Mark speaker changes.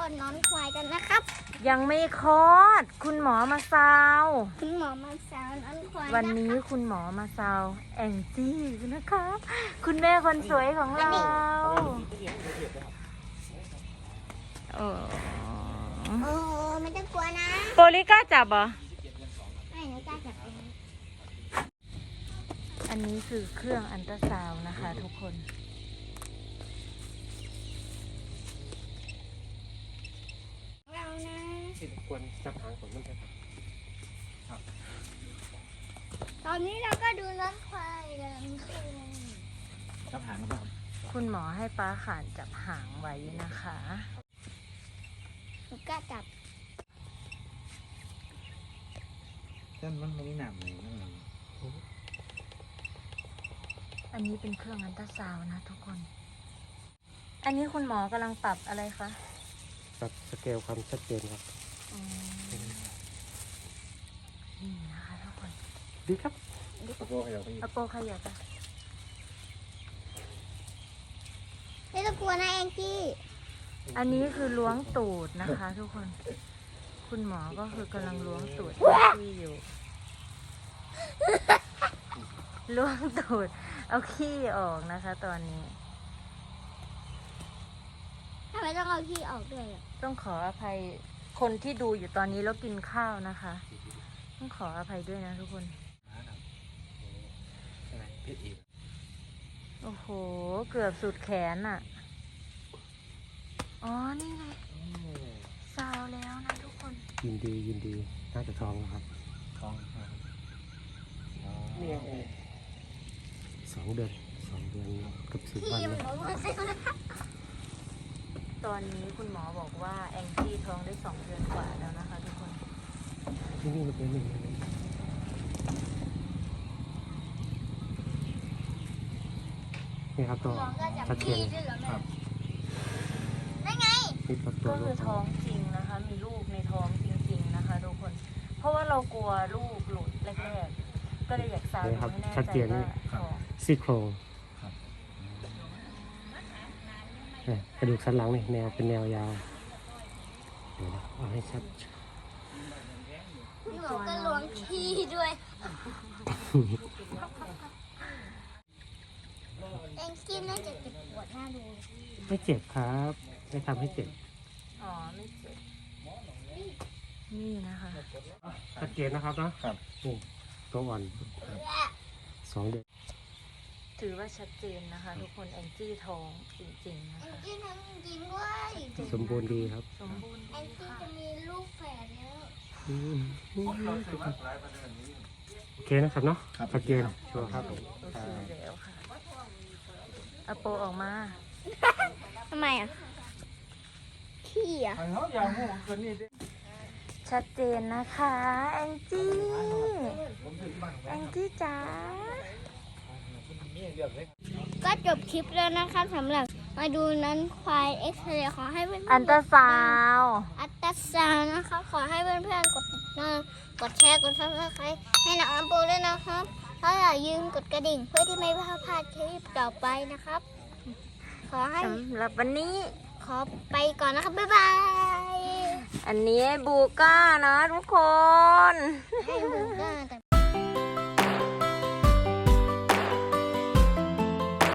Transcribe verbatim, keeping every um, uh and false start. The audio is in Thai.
Speaker 1: อดน้องควายกันนะครับ
Speaker 2: ยังไม่คลอดคุณหมอมาซาว
Speaker 1: คุณหมอมาสาวน้องควาย
Speaker 2: วันนี้คุณหมอมาซาวแองจี้นะคะคุณแม่คนสวยของเราโอ้
Speaker 1: โอ้ไม่ต้องกลัวนะ
Speaker 2: โปลิก้าจับเหรอ
Speaker 1: ไม่หนูกล้าจับเอง
Speaker 2: อันนี้คือเครื่องอัลตราซาวน์นะคะทุกคน
Speaker 1: เรานะ
Speaker 3: ควรจับหางของมันครับ
Speaker 1: ตอนนี้เราก็ดูน้องควายกันคือ
Speaker 3: จับหางครับ
Speaker 2: คุณหมอให้ป้าขานจับหางไว้นะคะ
Speaker 1: หนูกล้าจับ
Speaker 3: แต่มันไม่หนักเลยนั่นเอง
Speaker 2: อันนี้เป็นเครื่องอัลตราซาวน์นะทุกคน อันนี้คุณหมอกำลังปรับอะไรคะ
Speaker 3: ปรับสเกลความชัดเจนครับ
Speaker 2: อืมนี่นะคะทุกคน
Speaker 3: ดีครับโอ้โหเดี๋ยวไป
Speaker 2: อโปขยับอะ
Speaker 1: ไม่ต้องกลัวนะแองจี้
Speaker 2: อันนี้คือล้วงตูดนะคะทุกคน คุณหมอก็คือกำลังล้วงตูดที่อยู่ ล้วงตูดเอาขี้ออกนะคะ ตอนนี้
Speaker 1: ทำไมต้องเอาขี้ออกด้วยอ่ะ
Speaker 2: ต้องขออภัยคนที่ดูอยู่ตอนนี้แล้วกินข้าวนะคะ ต้องขออภัยด้วยนะทุกคน
Speaker 3: ใช่ไหมพิษอีก
Speaker 2: โอ้โห เกือบสุดแขนอ่ะ อ๋อ นี่ไงซาวแล้วนะทุกคน
Speaker 3: ยินดียินดีน่าจะท้องครับท้องเนี่ยสองเดือนสองเดือนกับสิบวัน
Speaker 1: ขี้
Speaker 3: เล
Speaker 1: มัน
Speaker 3: ย
Speaker 1: ออกมา
Speaker 2: ตอนนี้คุณหมอบอกว่าแองจี้ท้องได้สองเดือนกว่าแล้วนะคะทุกคน
Speaker 3: นี่นี่มันเป็นหนึ่งนี่ครับตัว
Speaker 1: น้องก็จับ
Speaker 3: ชัดเจ
Speaker 1: ขี้
Speaker 3: น
Speaker 1: ด้วยเหรอ
Speaker 3: ครับ
Speaker 1: นั่นไง
Speaker 3: นี่ครับตั
Speaker 2: ก็
Speaker 3: วลู
Speaker 2: คื
Speaker 3: ก
Speaker 2: อท้องจริงนะคะ มีลูกในท้องจริงๆนะคะทุกคน เพราะว่าเรากลัวลูกหลุดแรกๆ ก็เลยอยากซาวดูให้แน่ใจว่าท้อง
Speaker 3: ซี่โครงเนี่ยกระดูกสันหลังนี่แนวเป็นแนวยาวเดี๋ยวนะเอาให้ชัด
Speaker 1: พี่หมอก็ล้วงขี้ด้วยแองจี้น่าจะเจ็บปวดหน้าดู
Speaker 3: ไม่เจ็บครับไม่ทำให้เจ็บ
Speaker 2: อ๋อ ไม่เจ็บนี่นะคะ
Speaker 3: ชัดเจนนะครับเนาะครับนี่ตัวอ่อนสองเดือน
Speaker 2: ถือว่าชัดเจนนะคะ ทุกคนแองจี้ท้องจริงๆนะ
Speaker 1: แอง
Speaker 2: คะ
Speaker 1: จี้ทำจริงๆด้วย
Speaker 3: สมบูรณ์ดีครับ
Speaker 2: สมบูรณ์
Speaker 1: แอ
Speaker 2: ดี
Speaker 1: งจี้
Speaker 2: ค่ะ
Speaker 1: จะมีลูกแฝดแล้ว
Speaker 3: อืมโอเคนะครับเนาะชัดเจนชัวร์ครับ
Speaker 2: โอเคแล้วค่ะเอาโปออกมา
Speaker 1: ทำไมอ่ะขี้อ่ะ
Speaker 2: ชัดเจนนะคะแองจี้แองจี้จ๋า
Speaker 1: ก็จบคลิปแล้วนะคะสำหรับมาดูนั้นควายเอ็กซเรย์ขอให้เพื่อนๆ
Speaker 2: อันตราซาวน์
Speaker 1: อัตราซาวน์นะคะขอให้เพื่อนๆกดติดตามกดแชร์กดซับสไครต์ให้น้องอัมปูด้วยนะครับถ้าอย่าลืมกดกระดิ่งเพื่อที่ไม่พลาดคลิปต่อไปนะครับ ขอให้
Speaker 2: สำหรับวันนี้
Speaker 1: ขอไปก่อนนะครับบ๊ายบาย
Speaker 2: อันนี้บูก้านะทุกคน
Speaker 1: ให้บูก้าแต่